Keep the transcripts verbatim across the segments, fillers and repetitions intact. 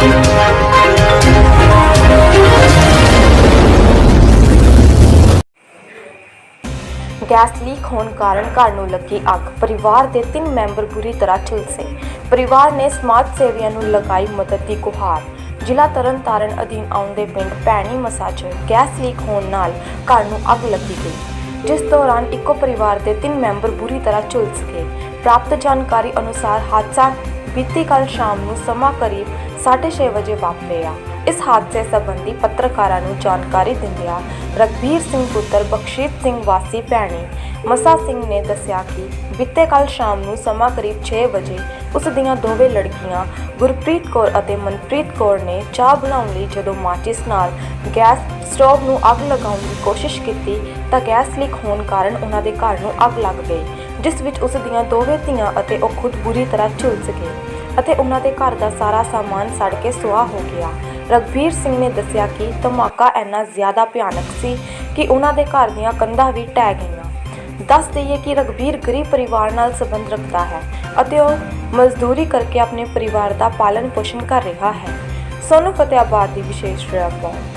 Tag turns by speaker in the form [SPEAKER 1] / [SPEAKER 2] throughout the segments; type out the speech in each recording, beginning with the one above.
[SPEAKER 1] Gas leak होने कारण घर नूं लगी अग। परिवार के तीन मैंबर बुरी तरह झुलसे। परिवार ने समाज सेवियों नूं लगाई मदद की गुहार। जिला तरन तारण अधीन आउंदे पिंड भैणी मसा च गैस लीक होने नाल घर नूं अग लगी गई, जिस दौरान इको परिवार के तीन मैंबर बुरी तरह झुलस गए। प्राप्त जानकारी अनुसार हादसा बीती कल शाम नूं समा करीब साढ़े छे बजे वापरिया। इस हादसे संबंधी पत्रकारां नूं जानकारी दिंदियां रघबीर सिंह पुत्र बख्शीत सिंह वासी भैणी मसा सिंह ने दस्सिया कि बीते कल शाम नूं समा करीब छे बजे उस दियां दोवें लड़कियां गुरप्रीत कौर अते मनप्रीत कौर ने चाह बनाउण लई जदों माचिस नाल गैस स्टोव नूं अग लगाउण दी कोशिश कीती तां गैस लीक होण कारण उन्हां दे घर नूं अग लग गई, जिस विच उस दियां दोवें धीआं अते ओह खुद बुरी तरह झुलस गए ਅਤੇ ਉਹਨਾਂ ਦੇ ਘਰ ਦਾ ਸਾਰਾ ਸਾਮਾਨ ਸੜ ਕੇ ਸੁਆਹ ਹੋ ਗਿਆ। ਰਘਬੀਰ ਸਿੰਘ ਨੇ ਦੱਸਿਆ ਕਿ ਧਮਾਕਾ ਇੰਨਾ ਜ਼ਿਆਦਾ ਭਿਆਨਕ ਸੀ ਕਿ ਉਹਨਾਂ ਦੇ ਘਰ ਦੀਆਂ ਕੰਧਾਂ ਵੀ ਢਹਿ ਗਈਆਂ। ਦੱਸ ਦਈਏ ਕਿ ਰਘਬੀਰ ਗਰੀਬ ਪਰਿਵਾਰ ਨਾਲ ਸੰਬੰਧ ਰੱਖਦਾ ਹੈ ਅਤੇ ਉਹ ਮਜ਼ਦੂਰੀ ਕਰਕੇ ਆਪਣੇ ਪਰਿਵਾਰ ਦਾ ਪਾਲਣ ਪੋਸ਼ਣ ਕਰ ਰਿਹਾ ਹੈ। ਸੋਨੂੰ ਫਤਿਆਬਾਦ ਦੀ ਵਿਸ਼ੇਸ਼ ਰਿਪੋਰਟ।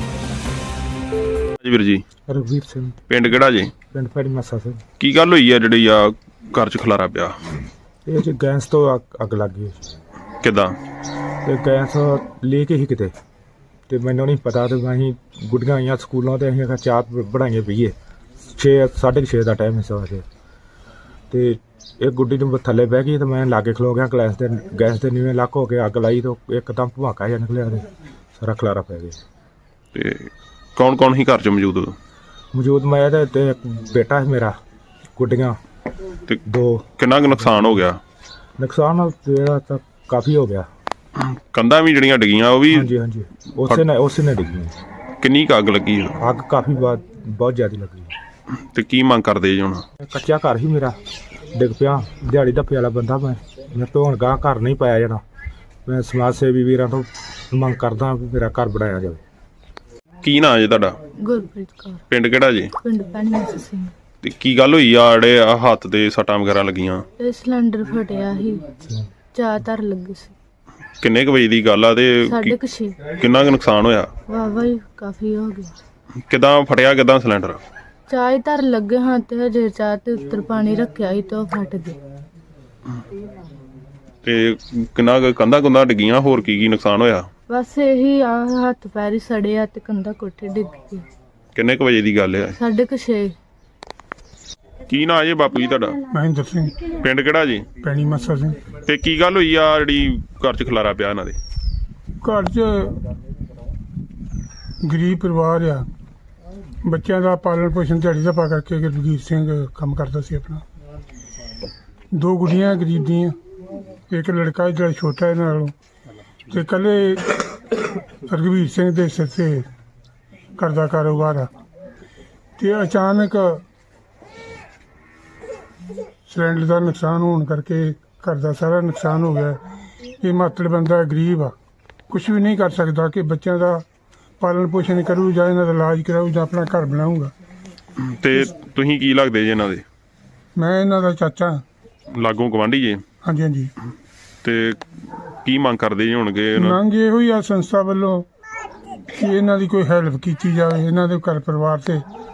[SPEAKER 2] ਜੀ ਵੀਰ ਜੀ
[SPEAKER 3] ਰਘਬੀਰ ਸਿੰਘ
[SPEAKER 2] ਪਿੰਡ ਕਿਹੜਾ ਜੀ?
[SPEAKER 3] ਪਿੰਡ ਭੈਣੀ ਮੱਸਾ ਸਿੰਘ।
[SPEAKER 2] ਕੀ ਗੱਲ ਹੋਈ ਆ ਜਿਹੜੀ ਆ ਘਰ ਚ ਖਲਾਰਾ ਪਿਆ?
[SPEAKER 3] ਇਹ ਚ ਗੈਸ ਤੋਂ ਅੱਗ ਅੱਗ ਲੱਗ ਗਈ।
[SPEAKER 2] ਕਿੱਦਾਂ?
[SPEAKER 3] ਤੇ ਗੈਸ ਲੈ ਕੇ ਹੀ ਕਿਤੇ ਤੇ ਮੈਨੂੰ ਨਹੀਂ ਪਤਾ ਤੇ ਅਸੀਂ ਗੁੱਡੀਆਂ ਆਈਆਂ ਸਕੂਲੋਂ ਤੇ ਅਸੀਂ ਚਾਹ ਬਣਾਈਏ ਪੀਏ। ਛੇ ਸਾਢੇ ਛੇ ਦਾ ਟਾਈਮ ਸੀ ਵੈਸੇ ਤੇ ਇਹ ਗੁੱਡੀ ਨੂੰ ਥੱਲੇ ਬਹਿ ਗਈ ਤੇ ਮੈਂ ਲਾਗੇ ਖਲੋ ਗਿਆ। ਗੈਸ ਦੇ ਗੈਸ ਦੇ ਨੀਵੇਂ ਲੱਕ ਹੋ ਕੇ ਅੱਗ ਲਾਈ ਤੇ ਇੱਕਦਮ ਧਮਾਕਾ ਜਿਹਾ ਨਿਕਲਿਆ ਤੇ ਸਾਰਾ ਖਲਾਰਾ ਪੈ ਗਿਆ।
[SPEAKER 2] ਤੇ ਕੌਣ ਕੌਣ ਹੀ ਘਰ ਚ ਮੌਜੂਦ?
[SPEAKER 3] ਮੌਜੂਦ ਮੈਂ ਤੇ ਤੇ ਇੱਕ ਬੇਟਾ ਹੈ ਮੇਰਾ, ਗੁੱਡੀਆਂ
[SPEAKER 2] ਤੇ
[SPEAKER 3] ਦੋ।
[SPEAKER 2] ਕਿੰਨਾ ਕੁ ਨੁਕਸਾਨ ਹੋ ਗਿਆ?
[SPEAKER 3] ਨੁਕਸਾਨ ਜਿਹੜਾ ਤਾਂ ਕਾਫੀ ਹੋ ਗਿਆ।
[SPEAKER 2] ਕੰਧਾਂ ਵੀ ਜਿਹੜੀਆਂ ਡਿੱਗੀਆਂ ਉਹ ਵੀ?
[SPEAKER 3] ਹਾਂਜੀ ਹਾਂਜੀ ਉਸੇ ਨੇ ਉਸੇ ਨੇ ਡਿੱਗੀ।
[SPEAKER 2] ਕਿੰਨੀ ਕੁ ਅੱਗ ਲੱਗੀ?
[SPEAKER 3] ਅੱਗ ਕਾਫੀ ਬਾਤ ਬਹੁਤ ਜ਼ਿਆਦਾ ਲੱਗੀ।
[SPEAKER 2] ਤੇ ਕੀ ਮੰਗ ਕਰਦੇ ਜੀ ਹੁਣ?
[SPEAKER 3] ਕੱਚਾ ਘਰ ਹੀ ਮੇਰਾ ਡਿੱਗ ਪਿਆ। ਦਿਹਾੜੀ ਧੱਪੇ ਵਾਲਾ ਬੰਦਾ ਮੈਂ ਮੈਂ ਤੋਂ ਹੁਣ ਗਾਂ ਘਰ ਨਹੀਂ ਪਾਇਆ ਜਾਣਾ। ਮੈਂ ਸਮਾਜ ਸੇਵੀ ਵੀਰਾਂ ਤੋਂ ਮੰਗ ਕਰਦਾ ਵੀ ਮੇਰਾ ਘਰ ਬਣਾਇਆ ਜਾਵੇ।
[SPEAKER 2] ਕੀ ਨਾਂ ਜੀ ਤੁਹਾਡਾ?
[SPEAKER 4] ਗੁਰਪ੍ਰੀਤ ਕੌਰ।
[SPEAKER 2] ਪਿੰਡ ਕਿਹੜਾ ਜੀ?
[SPEAKER 4] ਪਿੰਡ ਭੈਣੀ ਮੱਸਾ ਸਿੰਘ।
[SPEAKER 2] ਤੇ ਕੀ ਗੱਲ ਹੋਈ ਆ ਜਿਹੜੇ ਆ ਹੱਥ ਦੇ ਸੱਟਾਂ ਵਗੈਰਾ ਲੱਗੀਆਂ?
[SPEAKER 4] ਇਹ ਸਿਲੰਡਰ ਫਟਿਆ ਸੀ, ਚਾਹ ਧਰ ਲੱਗੀ ਸੀ।
[SPEAKER 2] ਕਿੰਨੇ ਕੁ ਵਜੇ ਦੀ ਗੱਲ ਆ ਤੇ
[SPEAKER 4] ਸਾਢੇ
[SPEAKER 2] ਕੀ-
[SPEAKER 4] ਕੁ ਛੇ।
[SPEAKER 2] ਕਿੰਨਾ ਕੁ ਨੁਕਸਾਨ ਹੋਇਆ?
[SPEAKER 4] ਵਾਵਾ ਹੀ ਕਾਫੀ ਹੋ ਗਿਆ।
[SPEAKER 2] ਕਿੱਦਾਂ ਫਟਿਆ? ਕਿੱਦਾਂ ਸਿਲੰਡਰ?
[SPEAKER 4] ਚਾਹ ਹੀ ਧਰ ਲੱਗੇ ਹਾਂ ਤੇ ਹਜੇ ਚਾਹ ਤੇ ਉੱਤਰ ਪਾਣੀ ਰੱਖਿਆ ਸੀ ਤੇ ਉਹ ਫਟ ਗਿਆ।
[SPEAKER 2] ਤੇ ਕਿੰਨਾ ਕੁ ਕੰਧਾਂ ਕੁੰਧਾਂ ਡਿੱਗੀਆਂ? ਹੋਰ ਕੀ ਕੀ ਨੁਕਸਾਨ ਹੋਇਆ?
[SPEAKER 4] ਬਸ ਇਹੀ ਆ, ਹੱਥ ਪੈਰ ਹੀ ਸੜੇ ਆ ਤੇ ਕੰਧਾ ਕੋਠੇ ਡਿੱਗ ਗਈ।
[SPEAKER 2] ਕਿੰਨੇ ਕੁ ਵਜੇ ਦੀ ਗੱਲ ਆ?
[SPEAKER 4] ਸਾਢੇ ਕੁ ਛੇ।
[SPEAKER 2] ਕੀ ਨਾਂ ਜੀ ਬਾਪੂ ਜੀ ਤੁਹਾਡਾ?
[SPEAKER 3] ਮਹਿੰਦਰ ਸਿੰਘ
[SPEAKER 2] ਪਿੰਡ ਕਿਹੜਾ ਜੀ?
[SPEAKER 3] ਭੈਣੀ ਮੱਸਾ ਸਿੰਘ।
[SPEAKER 2] ਤੇ ਕੀ ਗੱਲ ਹੋਈ ਆ ਜਿਹੜੀ ਘਰ ਚ ਖਲਾਰਾ ਪਿਆ ਇਹਨਾਂ ਦੇ?
[SPEAKER 5] ਘਰ 'ਚ ਗਰੀਬ ਪਰਿਵਾਰ ਆ, ਬੱਚਿਆਂ ਦਾ ਪਾਲਣ ਪੋਸ਼ਣ ਦਿਹਾੜੀ ਦਾ ਪਾ ਕਰਕੇ ਰਘਬੀਰ ਸਿੰਘ ਕੰਮ ਕਰਦਾ ਸੀ ਆਪਣਾ। ਦੋ ਗੁੱਡੀਆਂ ਗਰੀਬ ਦੀਆਂ, ਇੱਕ ਲੜਕਾ ਜਿਹੜਾ ਛੋਟਾ ਇਹਨਾਂ ਨਾਲੋਂ, ਤੇ ਇਕੱਲੇ ਰਘਬੀਰ ਸਿੰਘ ਦੇ ਸਿਰ 'ਤੇ ਘਰ ਦਾ ਕਾਰੋਬਾਰ ਆ। ਤੇ ਅਚਾਨਕ ਸਿਲੰਡਰ ਦਾ ਨੁਕਸਾਨ ਹੋਣ ਕਰਕੇ ਘਰ ਦਾ ਸਾਰਾ ਨੁਕਸਾਨ ਹੋ ਗਿਆ। ਇਹ ਮਾਤੜ ਬੰਦਾ ਗਰੀਬ ਆ, ਕੁਛ ਵੀ ਨਹੀਂ ਕਰ ਸਕਦਾ ਕਿ ਬੱਚਿਆਂ ਦਾ ਪਾਲਣ ਪੋਸ਼ਣ ਕਰੂ ਜਾਂ ਇਹਨਾਂ ਦਾ ਇਲਾਜ ਕਰਾਊ ਜਾਂ ਆਪਣਾ ਘਰ ਬਣਾਊਗਾ।
[SPEAKER 2] ਤੇ ਤੁਸੀਂ ਕੀ ਲੱਗਦੇ ਜੀ ਇਹਨਾਂ ਦੇ?
[SPEAKER 5] ਮੈਂ ਇਹਨਾਂ ਦਾ ਚਾਚਾ।
[SPEAKER 2] ਲਾਗੋਂ ਗਵਾਂਢੀ ਜੀ?
[SPEAKER 5] ਹਾਂਜੀ ਹਾਂਜੀ।
[SPEAKER 2] ਤੇ ਕੀ ਮੰਗ ਕਰਦੇ ਜੀ ਹੋਣਗੇ?
[SPEAKER 5] ਮੰਗ ਇਹੋ ਹੀ ਆ ਸੰਸਥਾ ਵੱਲੋਂ ਕਿ ਇਹਨਾਂ ਦੀ ਕੋਈ ਹੈਲਪ ਕੀਤੀ ਜਾਵੇ, ਇਹਨਾਂ ਦੇ ਘਰ ਪਰਿਵਾਰ ਤੇ